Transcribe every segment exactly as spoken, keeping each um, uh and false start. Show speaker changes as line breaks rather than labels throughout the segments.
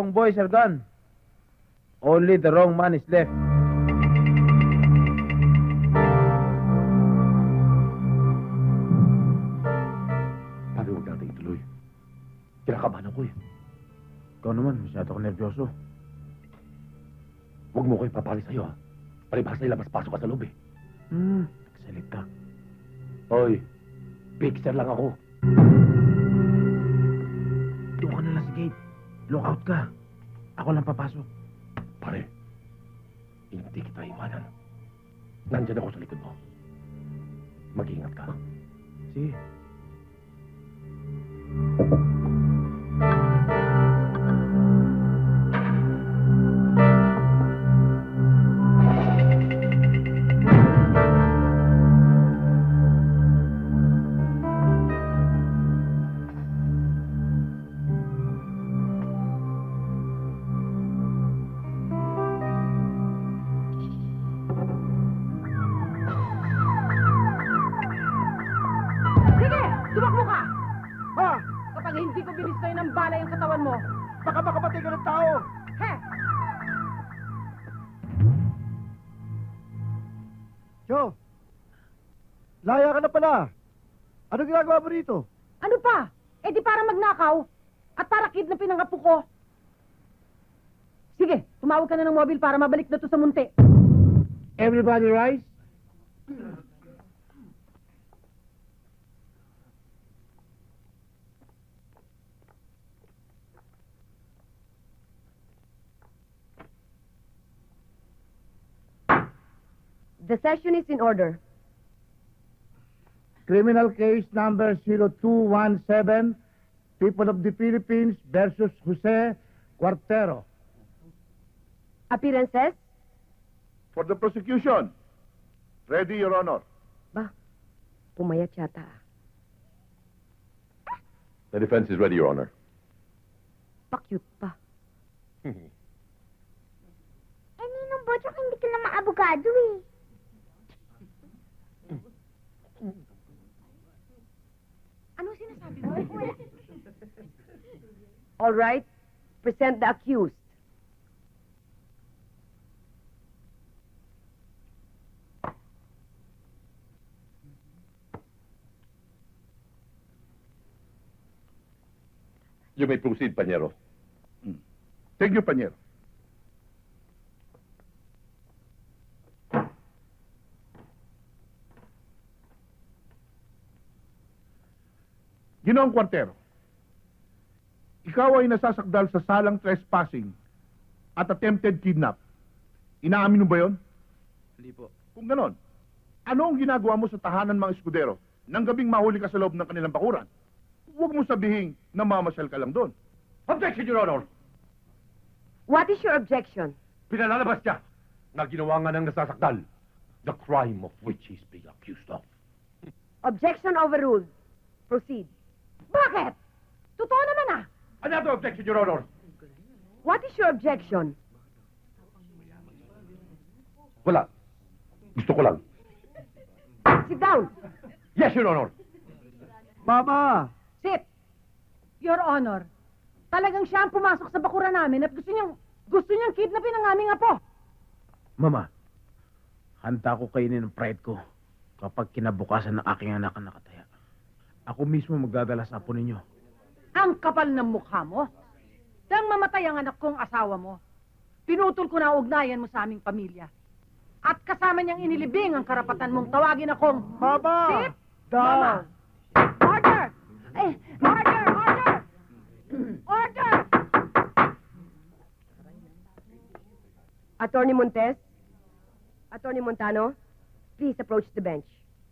wrong boys are gone. Only the wrong man is left.
Sabi, huwag natin ituloy. Kinakabahan ako eh.
Ikaw naman, masyado ka nervyoso.
Huwag mo ko ipapali sa'yo ha. Palibhas na ilabas-pasok ka sa loob eh.
Hmm, nagsalita.
Hoy, fixer lang ako.
Doon ka na lang sa gate. Lookout ka. Ako lang papasok.
Pare, hindi kita iwanan. Nandyan ako sa likod mo. Mag-ingat ka.
Sige.
Tumakbo ka! Ha? Kapag hindi ko binistoy ng bala yung katawan mo, baka makamatay ka ng tao! He!
Cho! Laya ka na pala! Ano ginagawa mo rito?
Ano pa? Eh di para magnakaw at para kidnapin ang apo ko. Sige, tumawag ka na ng mobil para mabalik na to sa munti.
Everybody rise.
The session is in order.
Criminal case number zero two one seven, People of the Philippines versus Jose Cuartero.
Appearances?
For the prosecution. Ready, Your Honor.
Ba, pumayat yata.
The defense is ready, Your Honor.
Pa-cute pa.
Eh, Ninong Bochok, hindi ka naman abogado eh.
Ano sinasabi mo?
Wala.
All right, present the accused.
You may proceed, Pañero.
Thank you, Panyero. Ginoong Cuartero, ikaw ay nasasakdal sa salang trespassing at attempted kidnap. Inaamin mo ba yon?
Hindi po.
Kung ganon, ano ang ginagawa mo sa tahanan mga eskudero nang gabing mahuli ka sa loob ng kanilang bakuran? Huwag mo sabihin na mamasyal ka lang doon.
Objection, Your Honor!
What is your objection?
Pinalalabas niya na ginawa nga ng nasasakdal. The crime of which he's being accused of.
Objection overruled. Proceed.
Bakit? Totoo naman ah!
Another objection, Your Honor!
What is your objection?
Wala. Gusto ko lang.
Sit down.
Yes, Your Honor!
Mama!
Sit! Your Honor, talagang siya ang pumasok sa bakura namin at gusto niyang, gusto niyang kidnapin ang aming apo.
Mama, handa ko kainin ng pride ko kapag kinabukasan ng aking anak ang nakataya. Ako mismo magdadala sa apo ninyo.
Ang kapal ng mukha mo. Nang mamatay ang anak kong asawa mo, pinutol ko na ang ugnayan mo sa aming pamilya. At kasama niyang inilibing ang karapatan mong tawagin akong...
Mama!
Sit! Mama! Order! Eh, order! Order! Order!
Attorney Montes? Attorney Montano? Please approach the bench.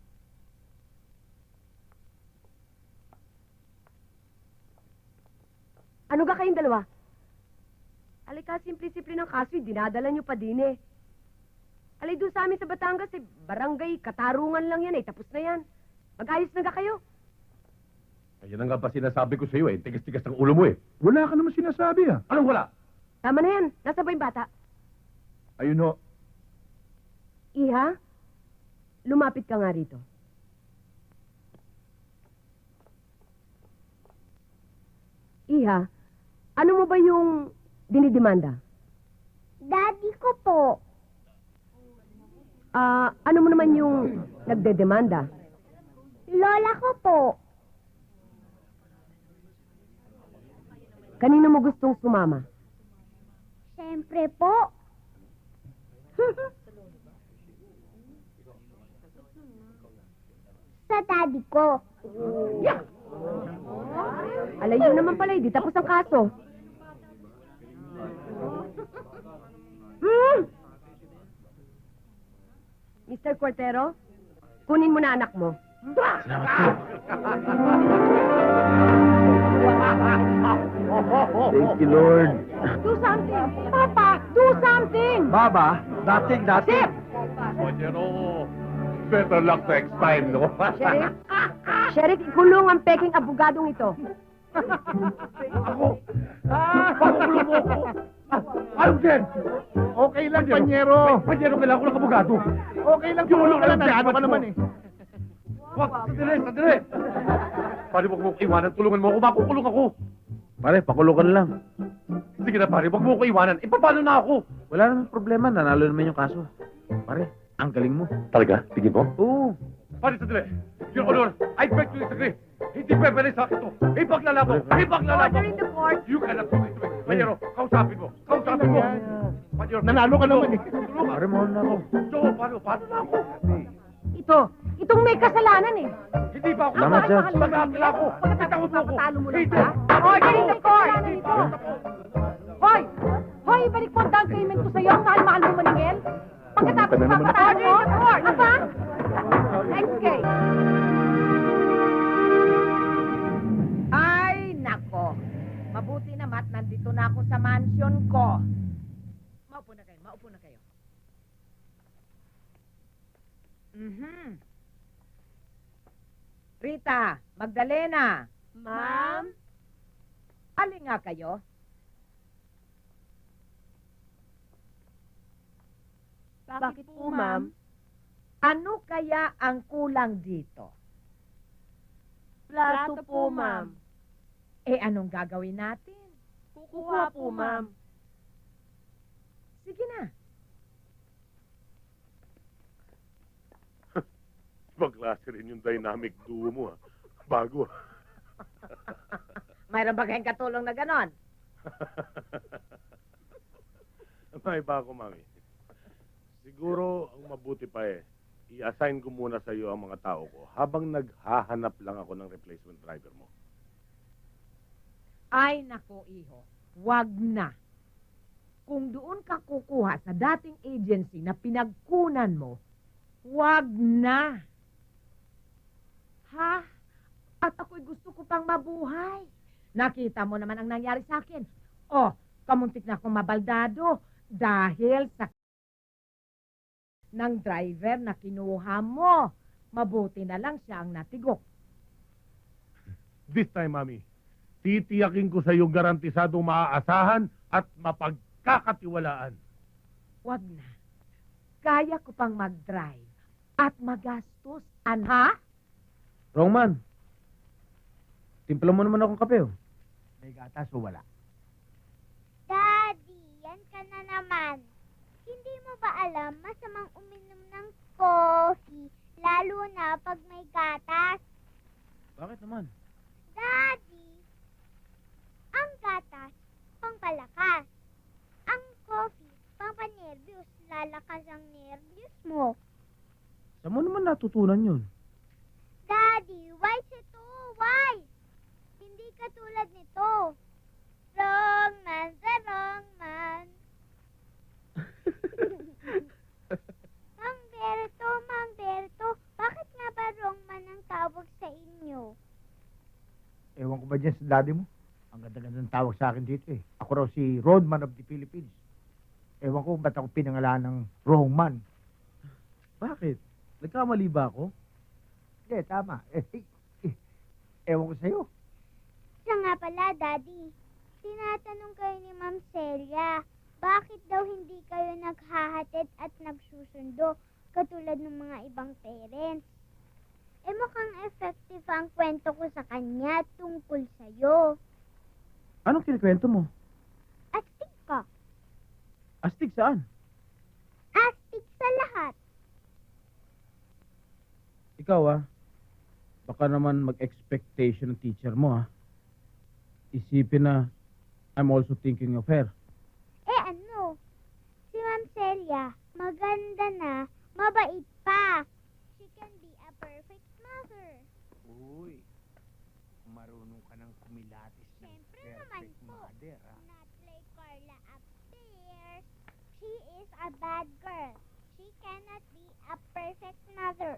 Ano ga kayong dalawa? Alika, simple-simple ng kaso, eh, dinadala nyo pa din eh. Alay, doon sa amin sa Batangas, eh, barangay, katarungan lang yan eh, tapos na yan. Mag-ayos na ga kayo.
Ayan na nga ba sinasabi ko sa iyo eh. Tigas-tigas ang ulo mo eh.
Wala ka naman sinasabi ah.
Anong wala?
Tama na yan. Nasa ba yung bata?
Ayun ho.
Iha, lumapit ka nga rito. Iha, ano mo ba yung dinidemanda?
Daddy ko po.
Ah, ano mo naman yung nagdedemanda?
Lola ko po.
Kanino mo gustong sumama?
Siyempre po. Sa daddy ko.
Alayo naman pala, hindi tapos ang kaso. Hmm? mister Cortero, kunin mo na anak mo.
Salamat po. Thank you, Lord.
Do something! Papa, do something!
Baba, dating, dating.
Pero, better luck next time, no?
Sheriff? Sheriff, ikulong ang peking abogadong ito.
Ako! Pakukulong mo ako! Ano din?
Okay lang, Panyero.
Panyero, kailangan ko ng abogado.
Okay lang, tulong ka lang. Ano ka naman eh.
Wag, sandali, sandali! Pare, wag mo ko iwanan. Tulungan mo ako. Makukulong ako.
Pare, pakulukan lang.
Sige na, pare. Wag mo ko iwanan. E, paano na ako?
Wala namang problema, nanalo naman yung kaso. Pare, ang galing mo.
Talaga? Tingin mo?
Oo.
Pare, sandali. Your Honor, I beg to disagree. Hindi pwede sa akin to. Ipaglalaban. Ipaglalaban
Order in the court.
You cannot do this to me. Panyero, kausapin mo. Kausapin mo. Panyero,
Nanalo ka naman eh.
Tulungan.
Pare, mahal na ako.
Joe, paano? Paano na ako?
Ito, itong may kasalanan eh.
Hindi ba ako?
Salamat, Judge.
Mag-aakila ako. Bitawan mo ako.
Papatalo mo lang
Hindi.
ba? Order in the court! Hoy! Hoy, ibalik mo ang down payment ko sa'yo. Ang mahal-mahal mo maningil. Pagkatapos
Ka na naman.
papatalo mo, ano ba? Next case.
Ay, nako. Mabuti naman, nandito na ako sa mansion ko. Maupo na kayo, maupo na kayo. Mhm. Rita, Magdalena.
Ma'am?
Alin nga kayo?
Bakit po, ma'am?
Ano kaya ang kulang dito?
Plato po, ma'am.
Eh, anong gagawin natin?
Kukuha po, ma'am.
Sige na.
Magklase rin yung dynamic duo mo, ha? Bago, ha?
Mayroon ba kayong katulong na ganon?
May ba ako, mami? Siguro, ang mabuti pa eh, i-assign ko muna sa iyo ang mga tao ko habang naghahanap lang ako ng replacement driver mo.
Ay, nako, iho. Wag na. Kung doon ka kukuha sa dating agency na pinagkunan mo, wag na. Ha? At ako'y gusto ko pang mabuhay. Nakita mo naman ang nangyari sa akin. Oh, kamuntik na akong mabaldado dahil sa ng driver na kinuha mo. Mabuti na lang siya ang natigok.
This time, mami, titiyakin ko sa iyong garantisadong maaasahan at mapagkakatiwalaan.
Wag na. Kaya ko pang mag-drive at magastos. Anha?
Wrong man. Timpla mo naman akong kape, oh.
May gatas o wala?
Daddy, yan ka na naman. Hindi mo ba alam masamang uminom ng coffee, lalo na pag may gatas?
Bakit naman?
Daddy, ang gatas, pangpalakas. Ang coffee, pampanervyos, lalakas ang nervyos mo.
Saan mo naman natutunan yun?
Daddy, wise ito, wise. Hindi katulad nito. Wrong man sa wrong man. Mang Berto, Mang Berto, bakit nga ba wrong man ang tawag sa inyo?
Ewan ko ba dyan sa daddy mo? Ang ganda-ganda ng tawag sa akin dito eh. Ako raw si Roadman of the Philippines. Ewan ko ba't ako pinangalan ng wrong man.
Bakit? Nagkamali ba ako?
Hindi, tama. Eh, eh, eh, ewan ko sa'yo.
Siya nga pala, Daddy. Tinatanong kayo ni Ma'am Celia, bakit daw hindi kayo naghahatid at nagsusundo katulad ng mga ibang parents? Eh mukhang effective ang kwento ko sa kanya tungkol sa'yo.
Anong kinikwento mo?
At
Astig saan?
Astig sa lahat.
Ikaw ah, baka naman mag-expectation ng teacher mo ah. Isipin na I'm also thinking of her.
Eh ano? Si Ma'am Celia, maganda na, mabait pa. She can be a perfect mother.
Uy, marunong ka ng kumilatis ng
Siyempre naman
perfect
po.
mother, ah.
Not like Carla upstairs. She is a bad girl. She cannot be a perfect mother.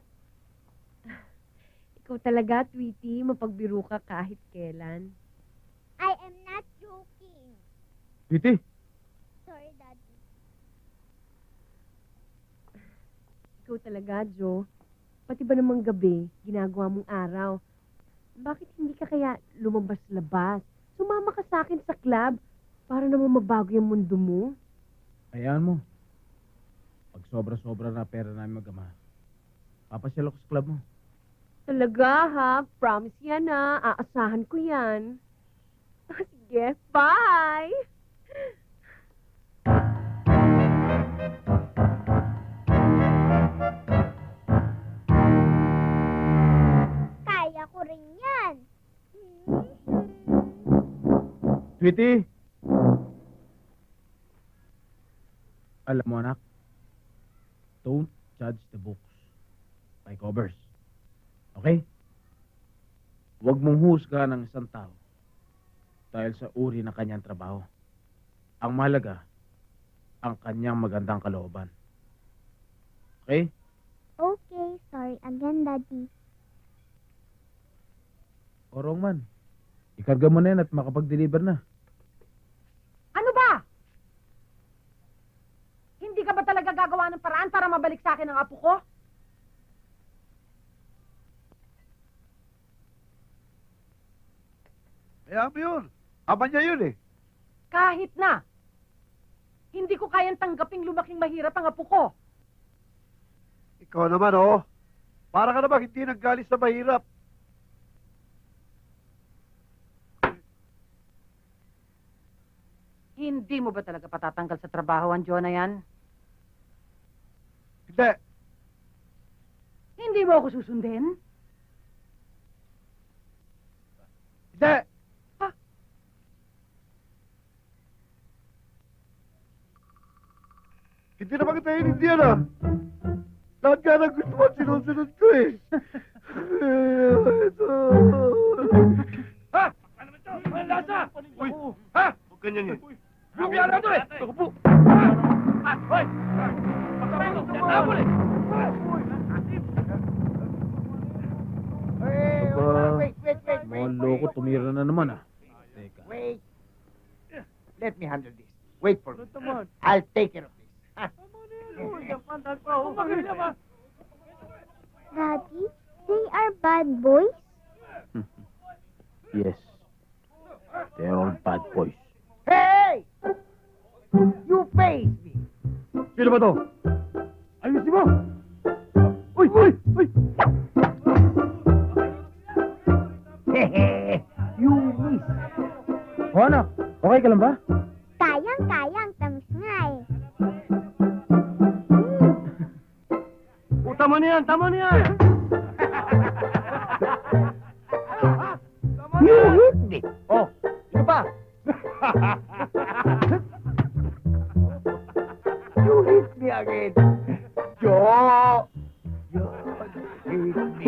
Ikaw talaga, Tweety, mapagbiro ka kahit kailan.
I am not joking.
Tweety,
Sorry, Daddy.
Ikaw talaga, Joe. Pati ba namang gabi, ginagawa mong araw? Bakit hindi ka kaya lumabas-labas? Sumama ka sa akin sa club para naman mabago yung mundo mo.
hayaan mo. Pag sobra-sobra na pera namin mag-ama, papasyal ako sa club mo.
Talaga, ha? Promise yan, ha? Aasahan ko yan. Sige, bye!
Kaya ko rin yan.
Tweety! Alam mo anak, don't judge the books by covers. Okay? Huwag mong husga ng isang tao dahil sa uri ng kanyang trabaho. Ang mahalaga, ang kanyang magandang kalooban. Okay?
Okay, sorry again, Daddy.
Orong man, ikarga mo na yan at makapag-deliver na.
Ano ba? Hindi ka ba talaga gagawa ng paraan para mabalik sa akin ang apo ko?
Kaya mo yun. Ama niya yun eh.
Kahit na. Hindi ko kayang tanggaping lumaking mahirap ang apo ko.
Ikaw naman oh. Para ka naman hindi naggalis sa mahirap.
Hindi mo ba talaga patatanggal sa trabaho ang John na yan?
Hindi.
Hindi mo ako susundin?
Hindi. Hindi naman kita hinindihan ah. Lahat nga ng gusto mo, sinusunod ko eh. Ito.
Ha? Ano ba ito? Walang lasa! Uy! Ha? Huwag ganyan yun.
Grabe yan ito eh.
Ako po! Ah! Hoy! Pagkabago! Tinatapon eh!
Hey,
Aba,
wait, wait, wait, wait,
Mga
wait,
loko,
wait,
tumira na naman ah. Teka.
Wait. Let me handle this. Wait for me. I'll take care of this.
Daddy, they are bad boys?
Yes. They're all bad boys.
Hey! You face me.
Sino ba to? Ayusin mo! Uy! Uy! Uy!
You miss.
O anak, okay ka lang ba?
Kayang-kayang, tamis nga eh.
Oh, tama na yan! Tama na yan!
You hit me. Oh, ito pa. You hit me again. Joe. You hit me.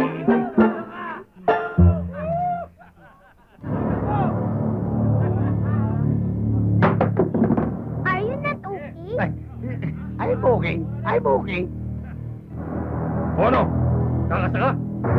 Are you not okay?
I'm okay. I'm okay.
O ano? Kakasa ka?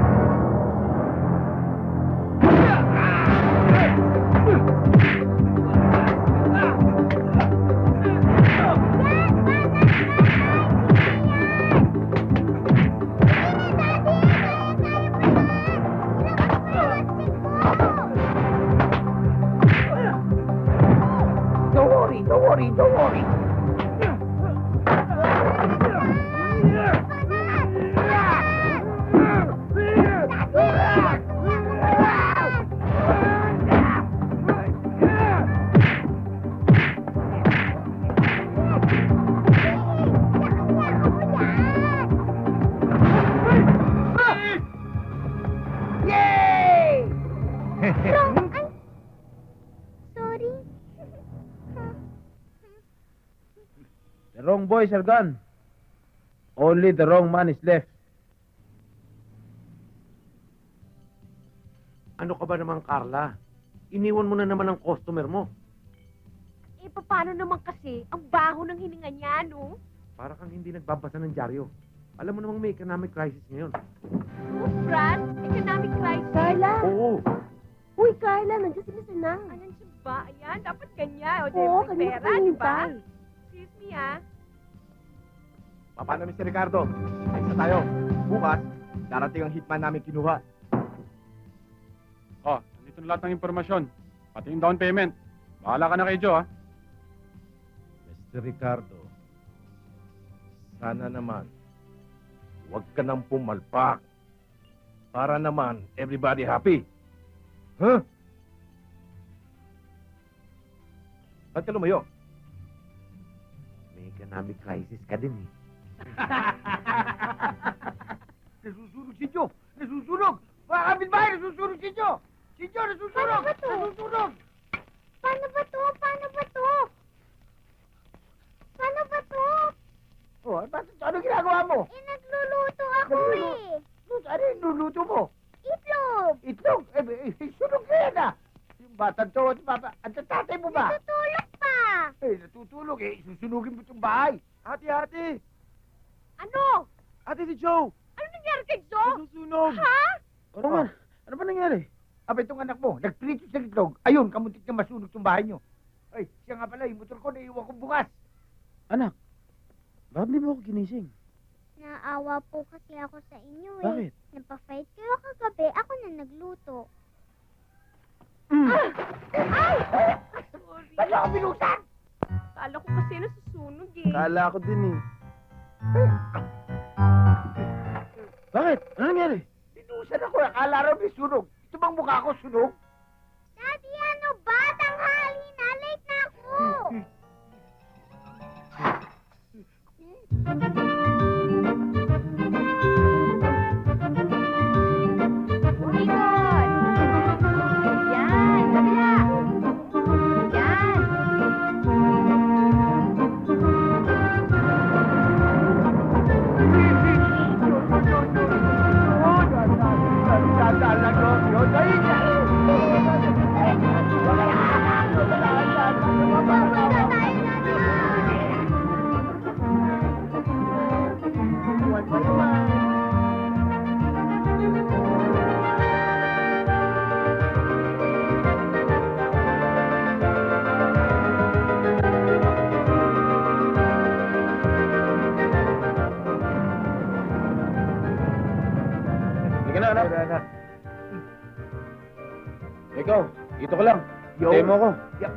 Don't worry, don't worry, don't worry.
Wrong. Ay. Sorry.
The wrong boys are gone. Only the wrong man is left.
Ano ka ba naman, Carla? Iniwan mo na naman ang customer mo.
Eh, paano naman kasi? Ang baho ng hininga niya, no?
Para kang hindi nagbabasa ng dyaryo. Alam mo namang may economic crisis ngayon.
Oh, Fran, economic crisis. Carla!
Oo.
Uy, Carla, nandiyan si Mister Nang. Ah, nandiyan ba? Ayan, dapat ganyan. O, Oo, may pera, di ba? Excuse me, ah.
Paano, Mister Ricardo? Ayos na tayo. Bukas, darating ang hitman namin kinuha.
Oh, nandito na lahat ng impormasyon. Pati yung down payment. Bahala ka na kay Joe, ha?
Mister Ricardo, sana naman, huwag ka nang pumalpak. Para naman, everybody happy. Huh? Ba't ka lumayo?
May economic crisis ka din eh.
Nasusunog si Joe! Nasusunog! Mga kapitbahay, nasusunog si Joe! Si Joe, nasusunog!
Paano ba to?
Nasusunog!
Paano ba to? Paano ba to? Paano ba to?
Oh, ano, ano ginagawa mo?
Eh, nagluluto ako
Naglulu-
eh.
Ano yung nuluto mo?
Itlog.
Itlog! Eh, eh, eh, sunog na yan ah! Yung batang to, at bata, at ang tatay mo ba?
Natutulog pa.
Eh, natutulog eh, susunugin mo itong bahay.
Ate, ate!
Ano?
Ate si Joe!
Ano nangyari kay Joe?
Nasusunog!
Ha?
Ano man? Ano ba nangyari?
Aba, itong anak mo, nagprito sa itlog. Ayun, kamuntik na masunog itong bahay nyo. Ay, siya nga pala, yung motor ko, naiwan ko bukas.
Anak, bakit di mo ako ginising?
Naawa po kasi ako sa inyo eh.
Bakit?
Napafight kayo kagabi. Ako na nagluto.
Sorry.
Ba't ako binusan?
Kala ko kasi nasusunog eh.
Kala ko din eh. Bakit? Ano nangyari?
Binusan ako, akala raw may sunog. Ito bang mukha ko sunog?
Daddy, ano ba? Tanghali na. Late na ako.
Ikot! Yan! Kabila! Yan!
Sige na, anak. Ikaw, dito ka lang.
Yo.
Tayo mo ako.
Yep.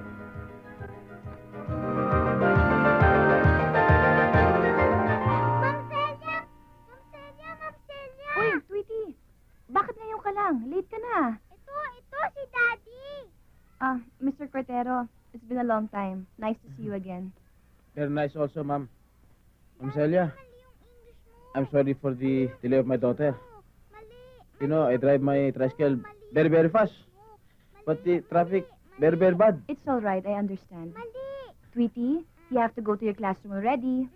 Ma'am Celia! Ma'am Celia! Ma'am Celia!
Uy, Tweety! Bakit ngayon ka lang? Late ka na.
Ito, ito si Daddy.
Ah, Mister Cortero, it's been a long time. Nice to see you again.
Very nice also, ma'am. Ma'am Celia,
Mali yung English mo.
I'm sorry for the delay of my daughter.
Mali.
You know, I drive my tricycle very, very fast. But the traffic, very, very bad.
It's all right, I understand.
Mali.
Tweety, you have to go to your classroom already.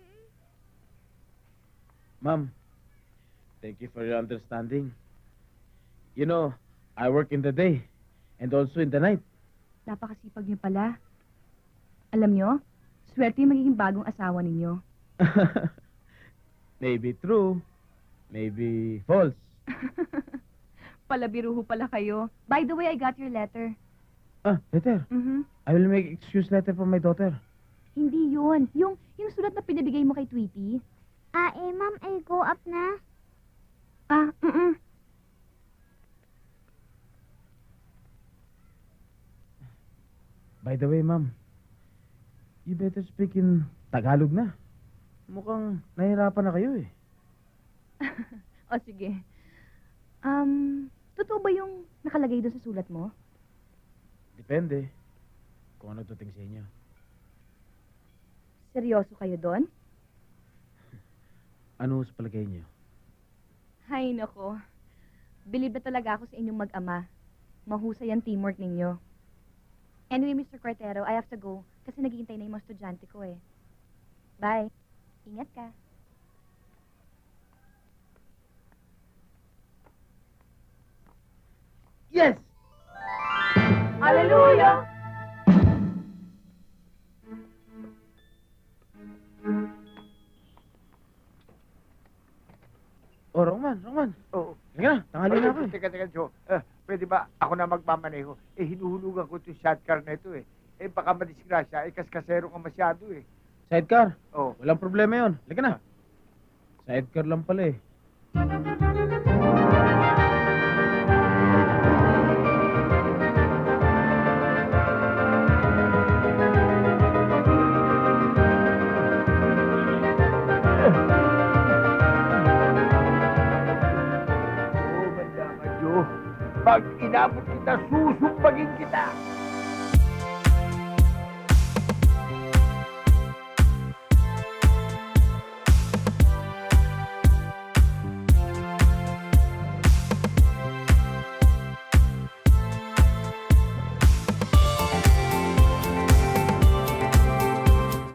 Ma'am, thank you for your understanding. You know, I work in the day and also in the night.
Napakasipag niyo pala. Alam niyo, swerte yung magiging bagong asawa ninyo.
Maybe true, maybe false.
Palabiruho pala kayo. By the way, I got your letter.
Ah, letter.
Mhm.
I will make excuse letter for my daughter.
Hindi yun. Yung, yung sulat na pinabigay mo kay Tweety.
Ah, eh, ma'am, eh, go up na.
Ah, mm
By the way, ma'am, you better speak in Tagalog na. Mukhang nahirapan na kayo eh.
O sige. Um, totoo ba yung nakalagay doon sa sulat mo?
Depende kung ano tuting sa inyo.
Seryoso kayo doon?
Ano sa palagay niyo?
Hay nako. Bilib na talaga ako sa inyong mag-ama. Mahusay ang teamwork ninyo. Anyway, Mister Cortero, I have to go kasi naghihintay na yung mga estudyante ko eh. Bye. Ingat ka.
Yes!
Hallelujah!
Oh, Roman, Roman.
Oo.
Halika na, tanghali na ako eh.
Teka, teka, Joe. Eh, pwede ba ako na magmamaneho? Eh, hinuhulugan ko itong shotcar na ito eh. Eh, baka madisgrasya. Eh, kaskasero ka masyado eh.
Sidecar.
Oo.
Walang problema yun. Halika na. Sidecar lang pala eh.
Oo, banda ka, Joe. Pag inabot kita, susumbagin kita.